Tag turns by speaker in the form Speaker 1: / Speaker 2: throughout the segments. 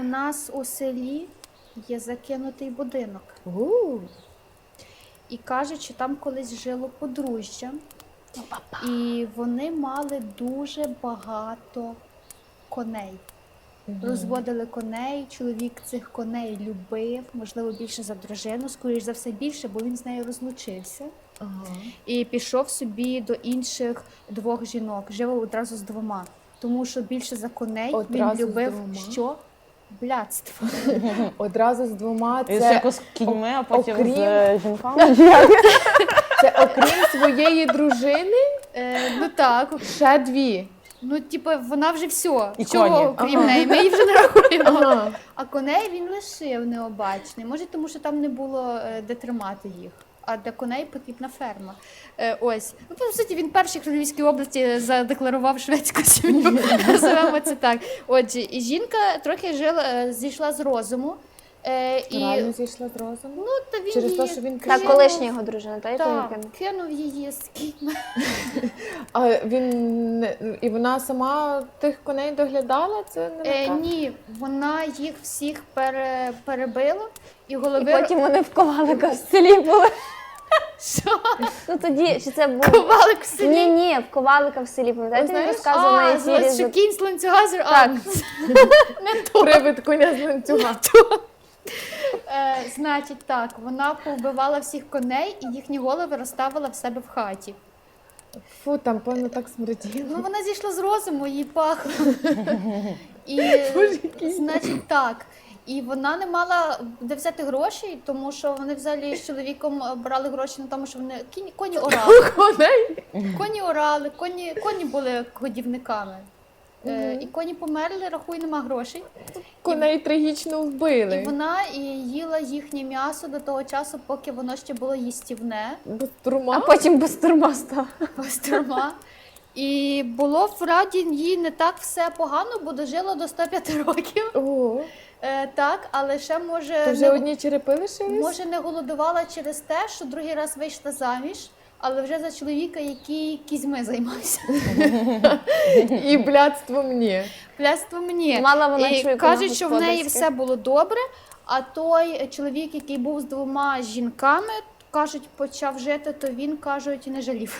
Speaker 1: нас у селі є закинутий будинок. І кажуть, що там колись жило подружжя. І вони мали дуже багато коней. Розводили коней, чоловік цих коней любив, можливо, більше за дружину, скоріш за все більше, бо він з нею розлучився. І пішов собі до інших двох жінок, жив одразу з двома. Тому що більше за коней він любив що? Блядство.
Speaker 2: Одразу з двома.
Speaker 3: Це
Speaker 2: Це
Speaker 3: з кіньми, а потім
Speaker 2: окрім-
Speaker 3: з жінками.
Speaker 2: це окрім своєї дружини
Speaker 1: Ну так,
Speaker 2: ще дві.
Speaker 1: ну типу вона вже все.
Speaker 3: І
Speaker 1: Чого
Speaker 3: коні.
Speaker 1: крім неї? Ми її вже не рахуємо.
Speaker 2: Ага.
Speaker 1: А коней він лишив необачний. Може, тому що там не було де тримати їх. А для коней потрібна ферма. Ось. Ну, по суті, він перший в Львівській області задекларував шведську сім'ю. Називаємо це так. Отже, і жінка трохи зійшла з розуму.
Speaker 2: Реально зійшла з розуму?
Speaker 1: Ну, та він
Speaker 2: Через
Speaker 1: її
Speaker 2: те, що він
Speaker 4: Та
Speaker 2: кинув?
Speaker 4: колишня його дружина, та яку він
Speaker 1: так,
Speaker 4: кинув?
Speaker 1: кинув її з кіньми.
Speaker 2: А він і вона сама тих коней доглядала? Це не така?
Speaker 1: Ні, вона їх всіх перебила і
Speaker 4: І
Speaker 1: голови
Speaker 4: потім вони в коваликах в селі були.
Speaker 1: Що?
Speaker 4: Ну тоді, чи це був...
Speaker 1: Ковалик в селі.
Speaker 4: Ні, в ковалика в селі, пам'ятаєте, він
Speaker 2: знаєш,
Speaker 4: розказував на ефірі.
Speaker 1: що кінь з ланцюга
Speaker 4: Так.
Speaker 1: не то.
Speaker 2: Привид коня з ланцюга.
Speaker 1: Значить так, вона повбивала всіх коней і їхні голови розставила в себе в хаті.
Speaker 2: Фу, там, певно, так смерділо.
Speaker 1: Ну вона зійшла з розуму, їй пахло. І, значить так, і вона не мала де взяти грошей, тому що вони взагалі з чоловіком брали гроші на тому, що вони коні орали.
Speaker 2: Коней?
Speaker 1: Коні орали, коні були годівниками. І коні померли, рахуй, нема грошей.
Speaker 2: Коней трагічно
Speaker 1: І
Speaker 2: вбили.
Speaker 1: вона їла їхнє м'ясо до того часу, поки воно ще було їстівне,
Speaker 2: Без
Speaker 4: А
Speaker 2: турма?
Speaker 4: потім без турма став.
Speaker 1: пастурма. І було в раді їй не так все погано, бо дожила до 105 років.
Speaker 2: Ого.
Speaker 1: Так, але ще
Speaker 2: То вже одні черепи лишились?
Speaker 1: може не голодувала через те, що другий раз вийшла заміж, але вже за чоловіка, який кізьми займався.
Speaker 2: І блядством ні.
Speaker 1: Пляство мені.
Speaker 4: Мала вона
Speaker 1: І
Speaker 4: чуйку
Speaker 1: кажуть,
Speaker 4: на
Speaker 1: що в неї
Speaker 4: господарське.
Speaker 1: все було добре, а той чоловік, який був з двома жінками, кажуть, почав жити, то він, кажуть, не жалів.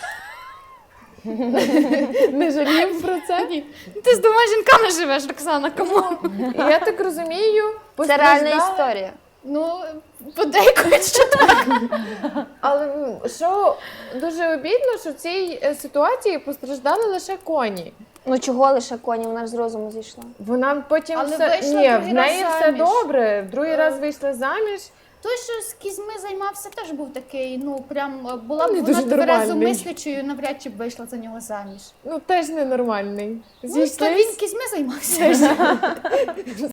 Speaker 2: Не жалів про це?
Speaker 1: Ні. Ти з двома жінками живеш, Роксана, кому?
Speaker 2: І я так розумію,
Speaker 4: Це реальна
Speaker 2: постраждала-
Speaker 4: історія.
Speaker 1: Ну, подейкують, що так.
Speaker 2: Але що дуже обідно, що в цій ситуації постраждали лише коні.
Speaker 4: Ну чого лише коні, вона ж з розуму зійшла.
Speaker 2: Вона потім
Speaker 1: Але
Speaker 2: все...
Speaker 1: вийшла
Speaker 2: Ні,
Speaker 1: другий
Speaker 2: в неї
Speaker 1: раз
Speaker 2: все
Speaker 1: заміж.
Speaker 2: добре. В другий раз вийшла заміж.
Speaker 1: Той, що з кізьми займався, теж був такий, ну, прям, була б
Speaker 2: Не
Speaker 1: вона
Speaker 2: дуже нормальний.
Speaker 1: тверезомислячою, навряд чи б вийшла за нього заміж.
Speaker 2: Ну, теж ненормальний.
Speaker 1: Ну, то він кізьми займався.